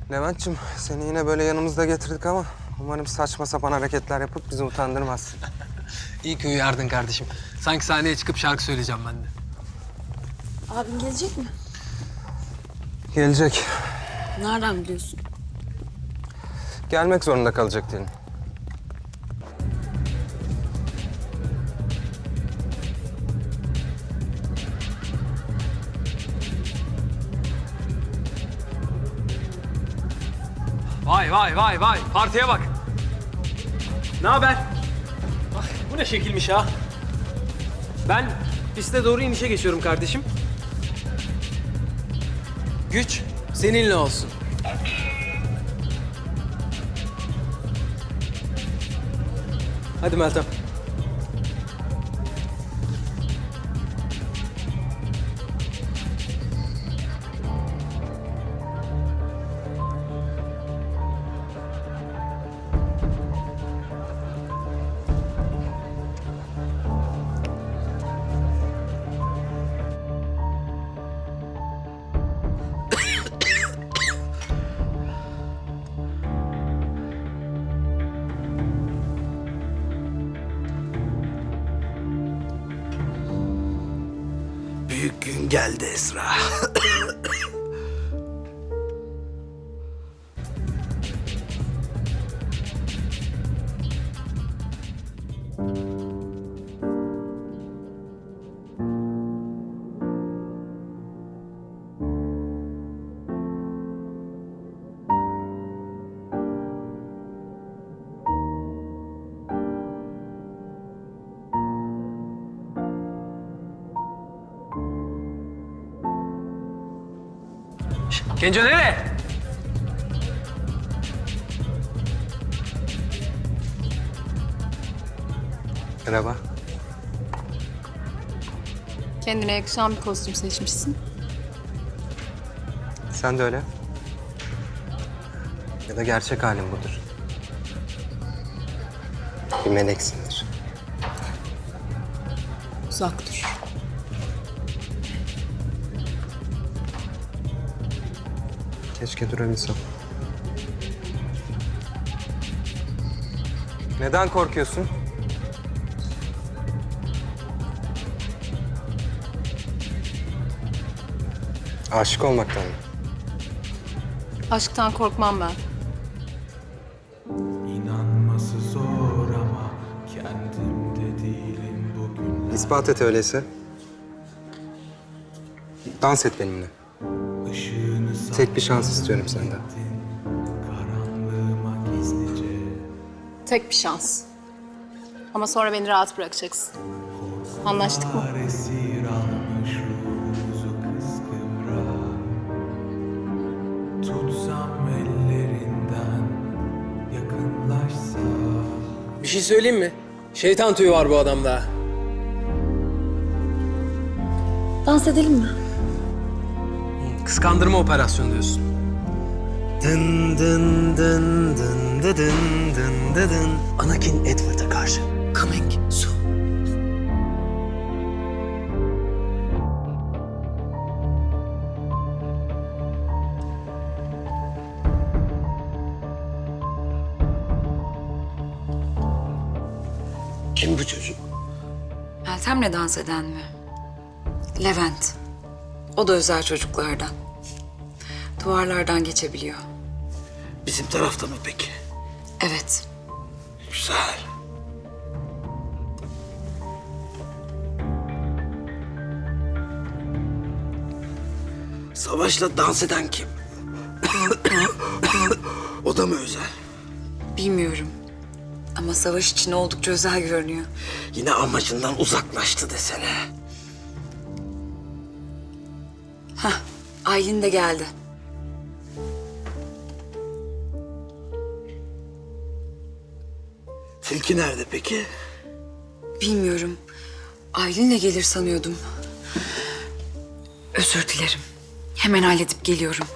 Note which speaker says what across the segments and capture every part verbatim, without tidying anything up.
Speaker 1: Levent'ciğim seni yine böyle yanımızda getirdik ama umarım saçma sapan hareketler yapıp bizi utandırmazsın.
Speaker 2: İyi ki uyardın kardeşim. Sanki sahneye çıkıp şarkı söyleyeceğim ben de.
Speaker 3: Abin gelecek mi?
Speaker 1: Gelecek.
Speaker 3: Nereden biliyorsun?
Speaker 1: Gelmek zorunda kalacak diyelim.
Speaker 2: Vay vay vay vay. Partiye bak. Ne haber? Bak bu ne şekilmiş ha? Ben piste doğru inişe geçiyorum kardeşim. Güç seninle olsun. Hadi Meltem.
Speaker 4: Büyük gün geldi Esra.
Speaker 2: Genco nereye?
Speaker 1: Merhaba.
Speaker 3: Kendine yakışan bir kostüm seçmişsin.
Speaker 1: Sen de öyle. Ya da gerçek halin budur. Bir meleksindir.
Speaker 3: Uzak dur.
Speaker 1: Keşke durabilsem. Neden korkuyorsun? Aşık olmaktan mı?
Speaker 3: Aşktan korkmam ben.
Speaker 5: İnanması zor ama kendimde değilim bugün.
Speaker 1: İspat et öyleyse. Dans et benimle.
Speaker 5: Işığını
Speaker 1: Tek bir şans istiyorum senden.
Speaker 5: sattın karanlığıma gizlice.
Speaker 3: Tek bir şans. Ama sonra beni rahat bırakacaksın. Anlaştık mı?
Speaker 5: Esir almış ruhumuzu kıskıvra. Tutsam ellerinden yakınlaşsa.
Speaker 2: Bir şey söyleyeyim mi? Şeytan tüyü var bu adamda.
Speaker 3: Dans edelim mi?
Speaker 2: Kıskandırma operasyonu diyorsun.
Speaker 4: Dın dın dın dın dı dın dın dı dın. Anakin Edward'a karşı. Coming soon. Kim bu çocuk?
Speaker 6: Meltem'le dans eden mi? Levent. O da özel çocuklardan. Duvarlardan geçebiliyor.
Speaker 4: Bizim tarafta mı peki?
Speaker 6: Evet.
Speaker 4: Güzel. Savaş'la dans eden kim? O da mı özel?
Speaker 6: Bilmiyorum. Ama savaş için oldukça özel görünüyor.
Speaker 4: Yine amacından uzaklaştı desene.
Speaker 6: Hah, Aylin de geldi.
Speaker 4: Tilki nerede peki?
Speaker 6: Bilmiyorum. Aylin'le gelir sanıyordum. Özür dilerim. Hemen halledip geliyorum.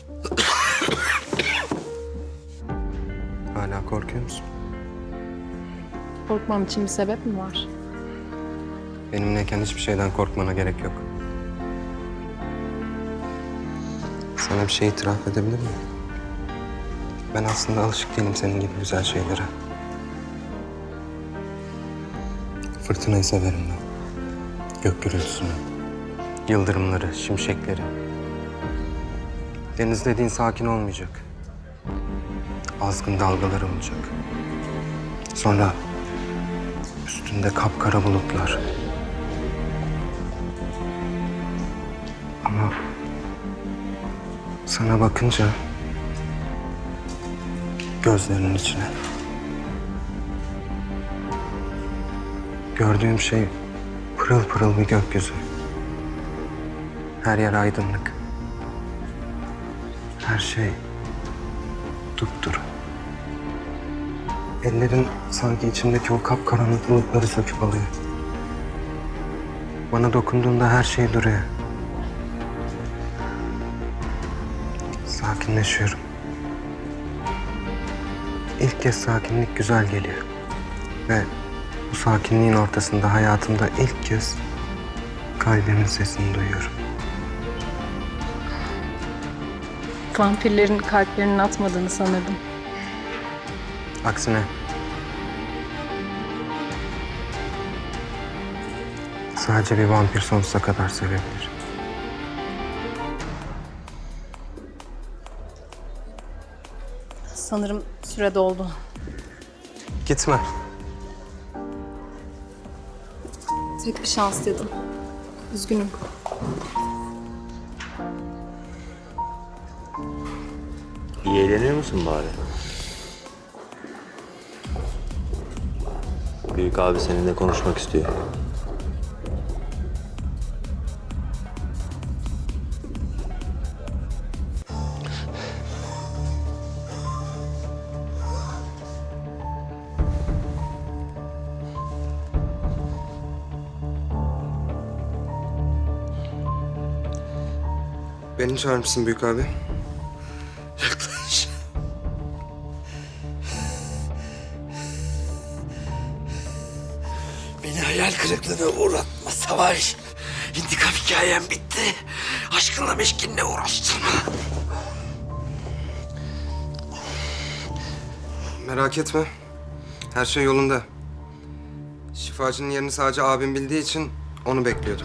Speaker 1: Hala korkuyor musun?
Speaker 3: Korkmam için bir sebep mi var?
Speaker 1: Benimleyken hiçbir şeyden korkmana gerek yok. Sana bir şey itiraf edebilir miyim? Ben aslında alışık değilim senin gibi güzel şeylere. Fırtınayı severim ben. Gök gürültüsünü, yıldırımları, şimşekleri. Deniz dediğin sakin olmayacak. Azgın dalgalar olacak. Sonra üstünde kapkara bulutlar. Ama sana bakınca gözlerinin içine gördüğüm şey pırıl pırıl bir gökyüzü. Her yer aydınlık. Her şey dupduru. Ellerin sanki içimdeki o kapkaranlık bulutları söküp alıyor. Bana dokunduğunda her şey duruyor. Sakinleşiyorum. İlk kez sakinlik güzel geliyor. Ve bu sakinliğin ortasında hayatımda ilk kez kalbimin sesini duyuyorum.
Speaker 3: Vampirlerin kalplerinin atmadığını sanırdım.
Speaker 1: Aksine sadece bir vampir sonsuza kadar sevebilir.
Speaker 3: Sanırım süre doldu.
Speaker 1: Gitme.
Speaker 3: Tek bir şans dedim. Üzgünüm.
Speaker 7: İyi eğleniyor musun bari? Büyük abi seninle konuşmak istiyor.
Speaker 1: Beni çağırmışsın büyük abi.
Speaker 4: Yaklaş. Beni hayal kırıklığına uğratma Savaş. İntikam hikayem bitti. Aşkınla meşkinle uğraştırma.
Speaker 1: Merak etme. Her şey yolunda. Şifacının yerini sadece abim bildiği için onu bekliyordum.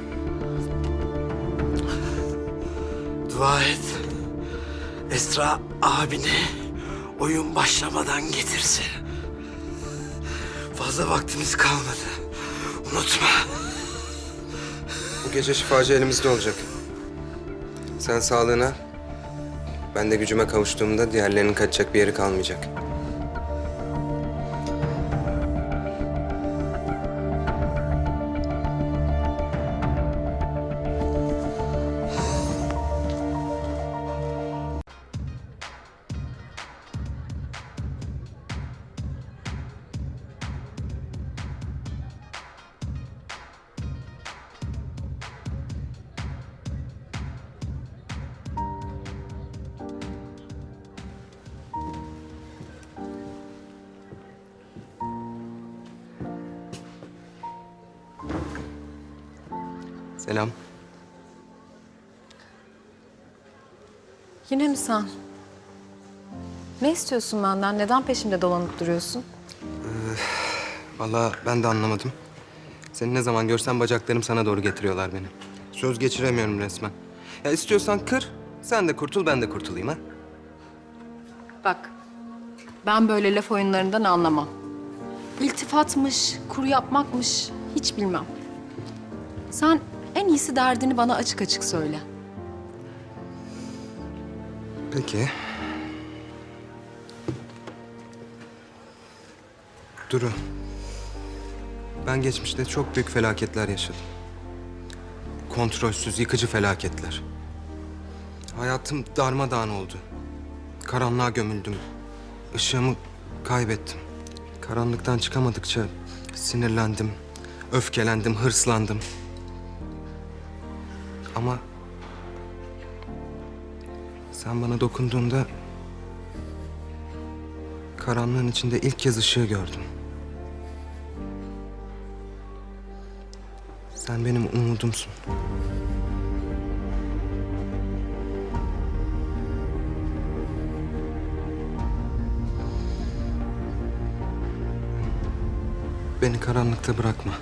Speaker 4: Dua et. Esra abini oyun başlamadan getirsin. Fazla vaktimiz kalmadı. Unutma.
Speaker 1: Bu gece şifacı elimizde olacak. Sen sağlığına, ben de gücüme kavuştuğumda diğerlerinin kaçacak bir yeri kalmayacak. Selam.
Speaker 3: Yine mi sen? Ne istiyorsun benden? Neden peşimde dolanıp duruyorsun?
Speaker 1: Vallahi ben de anlamadım. Seni ne zaman görsem bacaklarım sana doğru getiriyorlar beni. Söz geçiremiyorum resmen. Ya istiyorsan kır, sen de kurtul, ben de kurtulayım ha.
Speaker 3: Bak, ben böyle laf oyunlarından anlamam. İltifatmış, kuru yapmakmış hiç bilmem. Sen en iyisi derdini bana açık açık söyle.
Speaker 1: Peki. Duru. Ben geçmişte çok büyük felaketler yaşadım. Kontrolsüz, yıkıcı felaketler. Hayatım darmadağın oldu. Karanlığa gömüldüm. Işığımı kaybettim. Karanlıktan çıkamadıkça sinirlendim, öfkelendim, hırslandım. Ama sen bana dokunduğunda karanlığın içinde ilk kez ışığı gördüm. Sen benim umudumsun. Beni karanlıkta bırakma.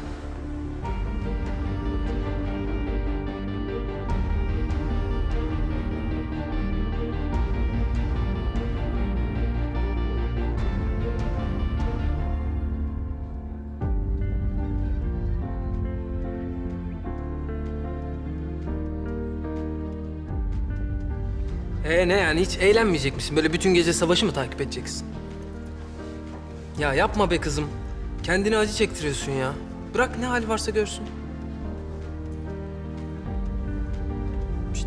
Speaker 2: Ee ne yani hiç eğlenmeyecek misin? Böyle bütün gece savaşı mı takip edeceksin? Ya yapma be kızım. Kendine acı çektiriyorsun ya. Bırak ne hali varsa görsün. Şişt.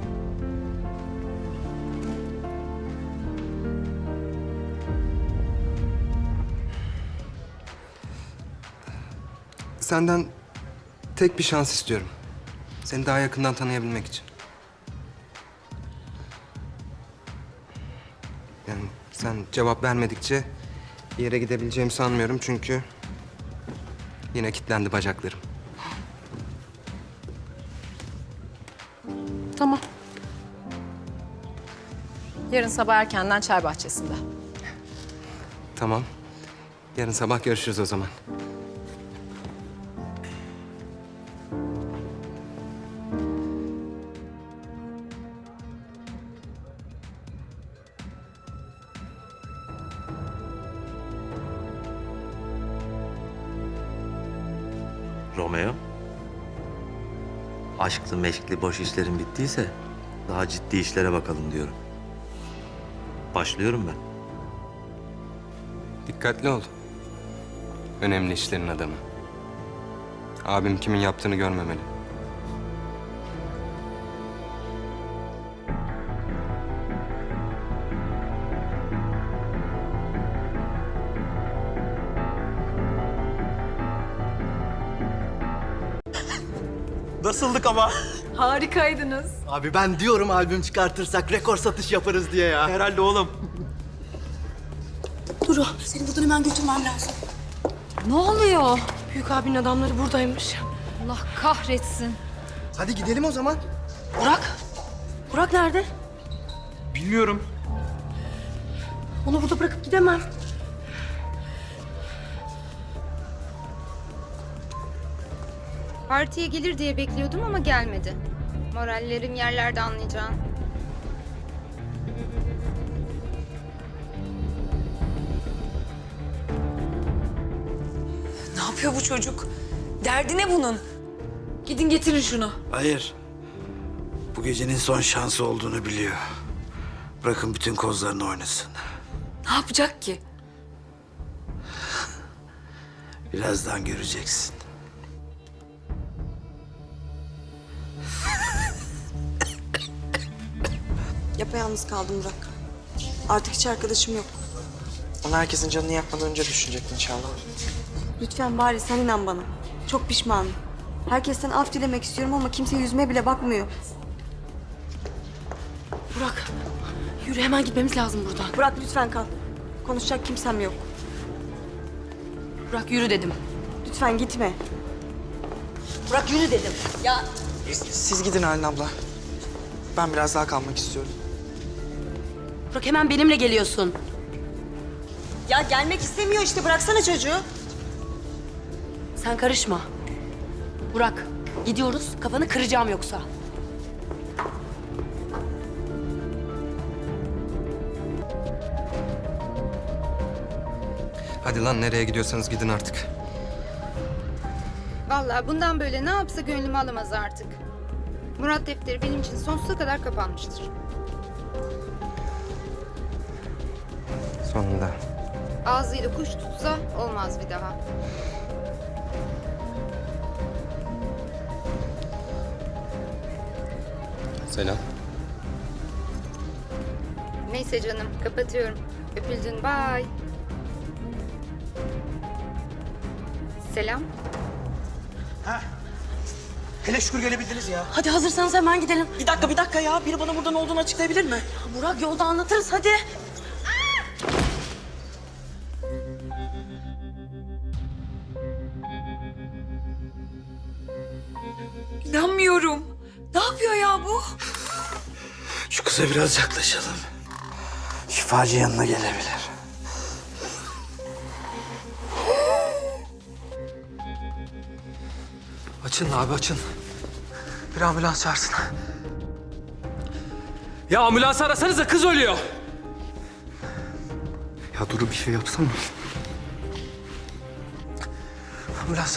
Speaker 1: Senden tek bir şans istiyorum. Seni daha yakından tanıyabilmek için. Yani sen cevap vermedikçe bir yere gidebileceğimi sanmıyorum çünkü yine kilitlendi bacaklarım.
Speaker 3: Tamam. Yarın sabah erkenden çay bahçesinde.
Speaker 1: Tamam. Yarın sabah görüşürüz o zaman.
Speaker 7: Romeo. Aşklı meşkli boş işlerin bittiyse daha ciddi işlere bakalım diyorum. Başlıyorum ben.
Speaker 1: Dikkatli ol. Önemli işlerin adamı. Abim kimin yaptığını görmemeli.
Speaker 4: Nasıldık ama?
Speaker 3: Harikaydınız.
Speaker 4: Abi ben diyorum albüm çıkartırsak rekor satış yaparız diye ya. Herhalde oğlum.
Speaker 8: Duru, seni buradan hemen götürmem lazım.
Speaker 3: Ne oluyor?
Speaker 8: Büyük abinin adamları buradaymış.
Speaker 3: Allah kahretsin.
Speaker 4: Hadi gidelim o zaman.
Speaker 8: Burak, Burak nerede?
Speaker 4: Bilmiyorum.
Speaker 8: Onu burada bırakıp gidemem.
Speaker 9: Partiye gelir diye bekliyordum ama gelmedi. Morallerim yerlerde anlayacağın.
Speaker 6: Ne yapıyor bu çocuk? Derdi ne bunun? Gidin getirin şunu.
Speaker 10: Hayır. Bu gecenin son şansı olduğunu biliyor. Bırakın bütün kozlarını oynasın.
Speaker 6: Ne yapacak ki?
Speaker 10: Birazdan göreceksin.
Speaker 8: Yapayalnız kaldım Burak. Artık hiç arkadaşım yok.
Speaker 4: Onu herkesin canını yakmadan önce düşünecektin inşallah.
Speaker 8: Lütfen bari sen inan bana. Çok pişmanım. Herkesten af dilemek istiyorum ama kimse yüzüme bile bakmıyor. Burak, yürü hemen gitmemiz lazım buradan. Burak lütfen kal. Konuşacak kimsem yok. Burak yürü dedim. Lütfen gitme. Burak yürü dedim. Ya
Speaker 4: Siz gidin Halin abla. Ben biraz daha kalmak istiyorum.
Speaker 8: Burak hemen benimle geliyorsun. Ya gelmek istemiyor işte. Bıraksana çocuğu. Sen karışma. Burak gidiyoruz. Kafanı kıracağım yoksa.
Speaker 1: Hadi lan nereye gidiyorsanız gidin artık.
Speaker 9: Vallahi bundan böyle ne yapsa gönlümü alamaz artık. Murat defteri benim için sonsuza kadar kapanmıştır.
Speaker 1: Sonunda.
Speaker 9: Ağzıyla kuş tutsa olmaz bir daha.
Speaker 1: Selam.
Speaker 9: Neyse canım, kapatıyorum. Öpüldün, bye. Selam.
Speaker 4: Hele şükür gelebildiniz ya.
Speaker 8: Hadi hazırsanız hemen gidelim.
Speaker 4: Bir dakika bir dakika ya. Biri bana burada ne olduğunu açıklayabilir mi?
Speaker 8: Burak yolda anlatırız hadi.
Speaker 6: İnanmıyorum. Ne yapıyor ya bu?
Speaker 10: Şu kıza biraz yaklaşalım. Şifacı yanına gelebilir.
Speaker 2: Açın abi açın. Bir ambulans çağırsın. Ya ambulans arasanıza, kız ölüyor.
Speaker 1: Ya Duru bir şey yapsana.
Speaker 2: Ambulans.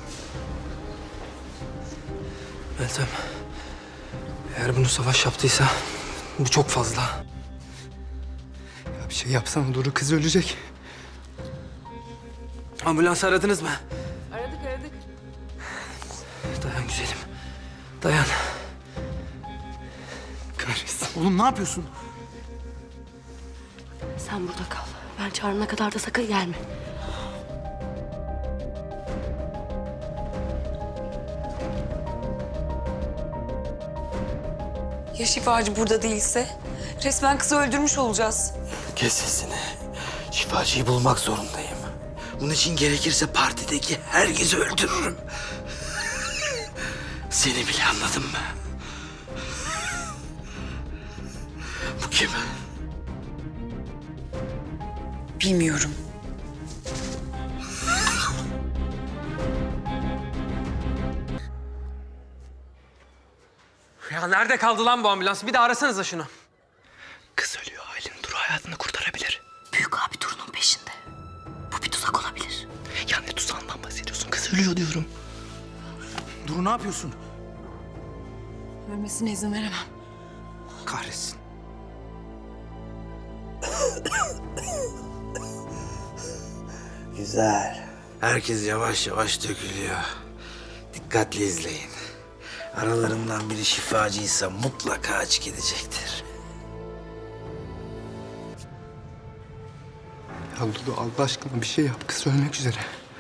Speaker 2: Meltem. Eğer bunu Savaş yaptıysa bu çok fazla.
Speaker 1: Ya bir şey yapsana Duru, kız ölecek.
Speaker 2: Ambulans aradınız mı?
Speaker 6: Aradık aradık.
Speaker 2: Dayan güzelim. Dayan.
Speaker 1: Kahretsin.
Speaker 4: Oğlum ne yapıyorsun?
Speaker 11: Sen burada kal. Ben çağırana kadar da sakın gelme.
Speaker 6: Ya şifacı burada değilse? Resmen kızı öldürmüş olacağız.
Speaker 10: Kes sesini. Şifacıyı bulmak zorundayım. Bunun için gerekirse partideki herkesi öldürürüm. Seni bile anladın mı? Bu kim?
Speaker 6: Bilmiyorum.
Speaker 2: Ya nerede kaldı lan bu ambulans? Bir de arasanıza şunu.
Speaker 4: Kız ölüyor Aylin. Duru hayatını kurtarabilir.
Speaker 11: Büyük abi Duru'nun peşinde. Bu bir tuzak olabilir.
Speaker 4: Ya ne tuzağından bahsediyorsun? Kız ölüyor diyorum. Duru ne yapıyorsun?
Speaker 3: Ölmesine izin veremem.
Speaker 1: Kahretsin.
Speaker 10: Güzel. Herkes yavaş yavaş dökülüyor. Dikkatli izleyin. Aralarından biri şifacıysa mutlaka açık edecektir.
Speaker 1: Ya Duru Allah aşkına bir şey yap, kız ölmek üzere.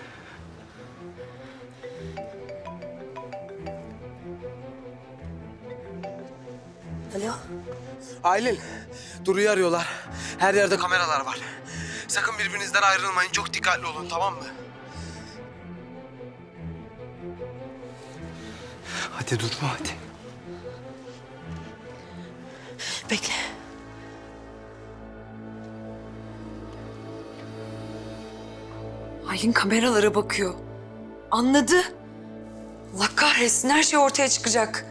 Speaker 11: Alo.
Speaker 4: Aylin, Duru'yu arıyorlar. Her yerde kameralar var. Sakın birbirinizden ayrılmayın. Çok dikkatli olun, tamam mı?
Speaker 1: Hadi Duru hadi.
Speaker 11: Bekle.
Speaker 6: Aylin kameralara bakıyor. Anladı. Allah kahretsin, her şey ortaya çıkacak.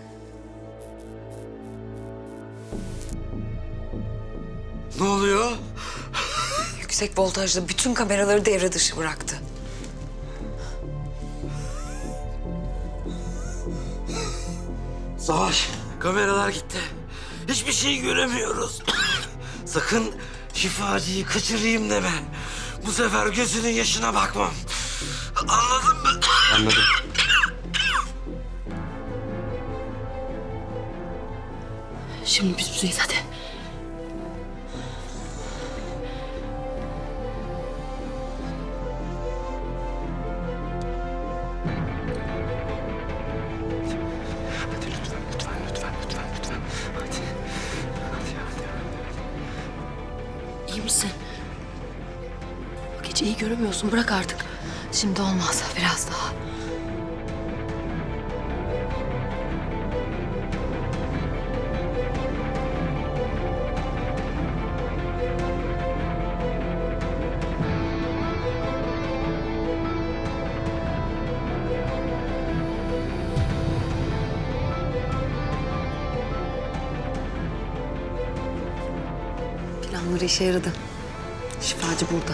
Speaker 10: Ne oluyor?
Speaker 6: Yüksek voltajlı bütün kameraları devre dışı bıraktı.
Speaker 10: Savaş, kameralar gitti. Hiçbir şey göremiyoruz. Sakın şifacıyı kaçırayım deme. Bu sefer gözünün yaşına bakmam. Anladın mı?
Speaker 1: Anladım.
Speaker 11: Şimdi biz buradayız hadi.
Speaker 1: Hadi lütfen, lütfen, lütfen, lütfen, lütfen. Hadi. Hadi, hadi, hadi.
Speaker 11: İyi misin? Bak hiç iyi göremiyorsun. Bırak artık.
Speaker 3: Şimdi olmaz, biraz daha.
Speaker 6: Planları işe yaradı. Şifacı burada.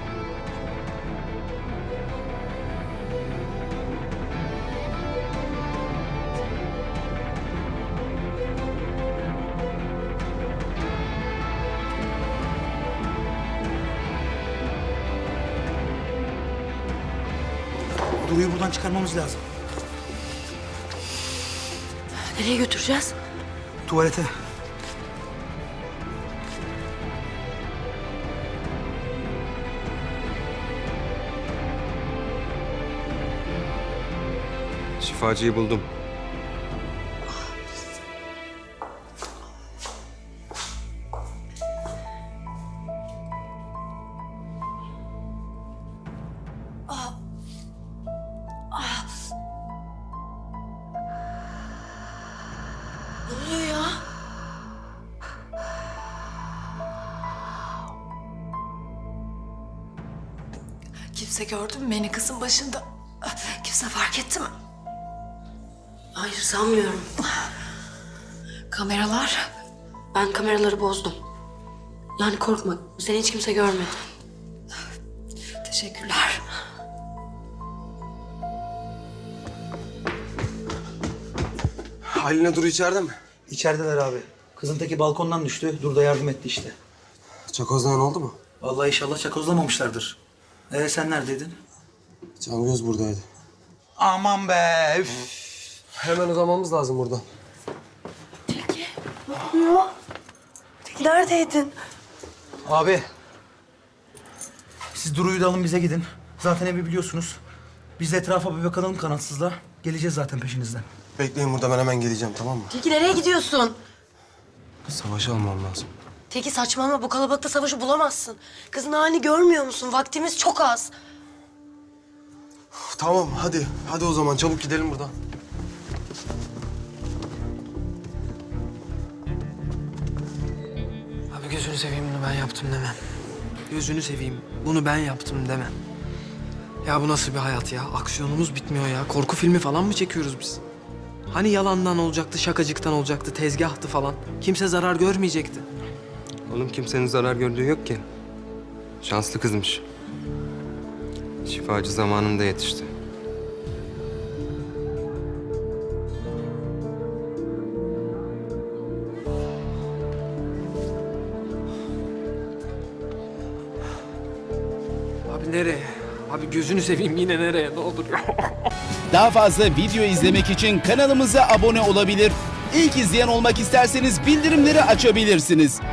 Speaker 4: Duru'yu buradan çıkarmamız lazım.
Speaker 11: Nereye götüreceğiz?
Speaker 4: Tuvalete.
Speaker 1: Şifacıyı buldum.
Speaker 11: Ne oluyor ya?
Speaker 3: Kimse gördü mü beni kızın başında? Kimse fark etti mi?
Speaker 11: Hayır sanmıyorum. Kameralar. Ben kameraları bozdum. Yani korkma. Seni hiç kimse görmedi. Teşekkürler.
Speaker 12: Halil'le Duru içeride mi?
Speaker 4: İçerideler abi. Kızın teki balkondan düştü. Dur da yardım etti işte.
Speaker 12: Çakozlayan oldu mu?
Speaker 4: Vallahi inşallah çakozlamamışlardır. Ee sen neredeydin?
Speaker 12: Cangöz buradaydı.
Speaker 4: Aman be. Üf.
Speaker 12: Hemen uzamamız lazım buradan.
Speaker 8: Neredeydin?
Speaker 4: Abi. Siz Duru'yu da alın bize gidin. Zaten evi biliyorsunuz. Biz de etrafa bir bakalım kanatsızla. Geleceğiz zaten peşinizden.
Speaker 12: Bekleyin burada, ben hemen geleceğim, tamam mı?
Speaker 11: Tilki nereye gidiyorsun?
Speaker 12: Savaşı almam lazım.
Speaker 11: Tilki saçmalama. Bu kalabalıkta savaşı bulamazsın. Kızın halini görmüyor musun? Vaktimiz çok az.
Speaker 12: Uf, tamam hadi. Hadi o zaman çabuk gidelim buradan.
Speaker 2: Abi gözünü seveyim bunu ben yaptım deme. Gözünü seveyim bunu ben yaptım deme. Ya bu nasıl bir hayat ya? Aksiyonumuz bitmiyor ya. Korku filmi falan mı çekiyoruz biz? Hani yalandan olacaktı, şakacıktan olacaktı, tezgahtı falan. Kimse zarar görmeyecekti.
Speaker 1: Oğlum kimsenin zarar gördüğü yok ki. Şanslı kızmış. Şifacı zamanında yetişti.
Speaker 2: Abi nereye? Abi gözünü seveyim yine nereye? Ne olur ya.
Speaker 13: Daha fazla video izlemek için kanalımıza abone olabilir. İlk izleyen olmak isterseniz bildirimleri açabilirsiniz.